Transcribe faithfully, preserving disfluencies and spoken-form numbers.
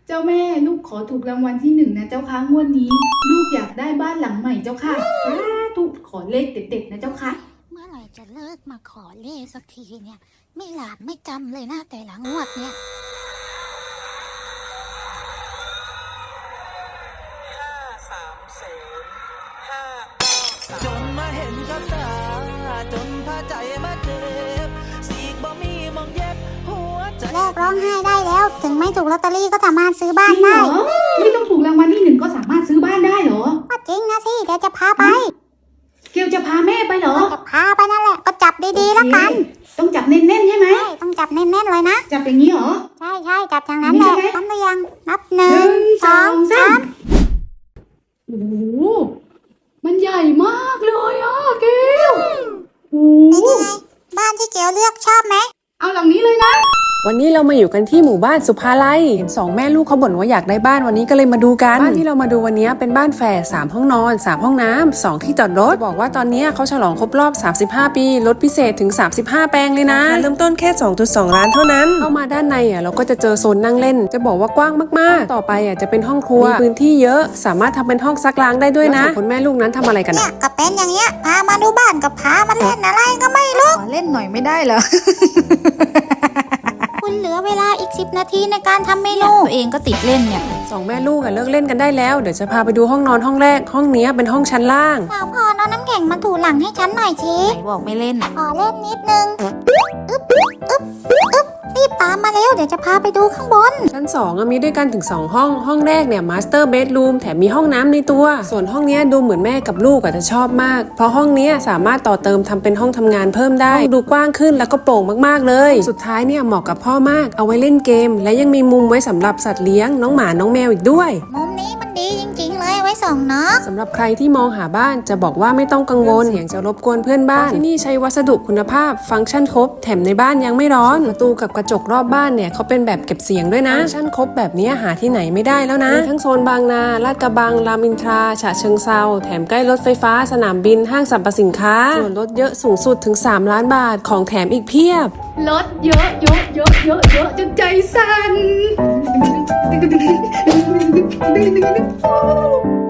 เจ้าแม่ลูกขอถูกรางวัลที่หนึ่งนะเจ้าค่ะงวดนี้ลูกอยากได้บ้านหลังใหม่เจ้าค่ะสาธุขอเลขเด็ดๆนะเจ้าค่ะเมื่อไหร่จะเลิกมาขอเลขสักทีเนี่ย ไม่หลาบไม่จำเลยนะแต่ละงวดเนี่ยห้าสามศูนย์ห้าจนมาเห็นกับตาจนพาใจมาเจ็บสีกบ่มีมองเย็บหัวใจเลิกร้องไห้ได้แล้ว ถึงไม่ถูกลอตเตอรี่ก็สามารถซื้อบ้านจริงเหรได้อไม่ต้องถูกรางวัลที่หนึ่งก็สามารถซื้อบ้านได้เหรอก็จริงนะสิเดี๋ยวจะพาไปเกลจะพาแม่ไปเหรอจะพาไปนั่นแหละก็จับดีๆแล้วกันต้องจับแน่นๆใช่ไหมใช่ต้องจับแน่นๆเลยนะจับอย่างนี้เหรอใช่ใช่จับอย่างนั้นแหละทำหรือยังนับหนึ่งสองสามโอ้โหมันใหญ่มากเลยอ่ะเกลโอ้เป็นยังไงบ้านที่เกลเลือกชอบไหมเอาหลังนี้เลยนะวันนี้เรามาอยู่กันที่หมู่บ้านสุภาลัยเห็นสองแม่ลูกเขาบ่นว่าอยากได้บ้านวันนี้ก็เลยมาดูกันบ้านที่เรามาดูวันนี้เป็นบ้านแฝดสามห้องนอนสามห้องน้ำสองที่จอดรถบอกว่าตอนนี้เขาฉลองครบรอบสามสิบห้าปีลดพิเศษถึงสามสิบห้าแปลงเลยนะเริ่มต้นแค่ สองจุดสอง ล้านเท่านั้นเข้ามาด้านในอ่ะเราก็จะเจอโซนนั่งเล่นจะบอกว่ากว้างมากๆต่อไปอ่ะจะเป็นห้องครัวมีพื้นที่เยอะสามารถทำเป็นห้องซักล้างได้ด้วยนะคนแม่ลูกนั้นทำอะไรกันเนี่ยก็เป็นอย่างเงี้ยพามาดูบ้านกับพามาเล่นอะไรก็ไม่รู้ขอเล่นหน่อยไม่ได้เหรอคุณเหลือเวลาอีกสิบนาทีในการทำเมนูตัวเองก็ติดเล่นเนี่ยสองแม่ลูกอ่ะเลิกเล่นกันได้แล้วเดี๋ยวจะพาไปดูห้องนอนห้องแรกห้องนี้เป็นห้องชั้นล่างสาวพรเอาน้ำแข็งมาถูหลังให้ฉันหน่อยสิไหนบอกไม่เล่นขอเล่นนิดนึงอึ๊บอึ๊บอึ๊บรีบตามมาเร็วเดี๋ยวจะพาไปดูข้างบนชั้นสองมีด้วยกันถึงสองห้องห้องแรกเนี่ยมาสเตอร์เบดรูมแถมมีห้องน้ำในตัวส่วนห้องนี้ดูเหมือนแม่กับลูกอาจจะชอบมากเพราะห้องนี้สามารถต่อเติมทำเป็นห้องทำงานเพิ่มได้ดูกว้างขึ้นแล้วก็โปร่งมากๆเลยสุดท้ายเนี่ยเหมาะกับพ่อมากเอาไว้เล่นเกมและยังมีมุมไว้สำหรับสัตว์เลี้ยงน้องหมาน้องแมวอีกด้วยมุมนี้มันดีจริงๆเลยไว้ส่องเนาะสำหรับใครที่มองหาบ้านจะบอกว่าไม่ต้องกังวลเสียงจะรบกวนเพื่อนบ้านที่นี่ใช้วัสดุคุณภาพฟังก์ชันครบแถมในบ้านยังไม่ร้อนประตูกับกระจกรอบบ้านเนี่ยเขาเป็นแบบเก็บเสียงด้วยนะฟังก์ชันครบแบบนี้หาที่ไหนไม่ได้แล้วนะมีทั้งโซนบางนาลาดกระบังรามอินทราฉะเชิงเซาแถมใกล้รถไฟฟ้าสนามบินห้างสรรพสินค้าส่วนลดเยอะสูงสุดถึงสามล้านบาทของแถมอีกเพียบลดเยอะเยอะเยอะเยอะเยอะจนใจสั่น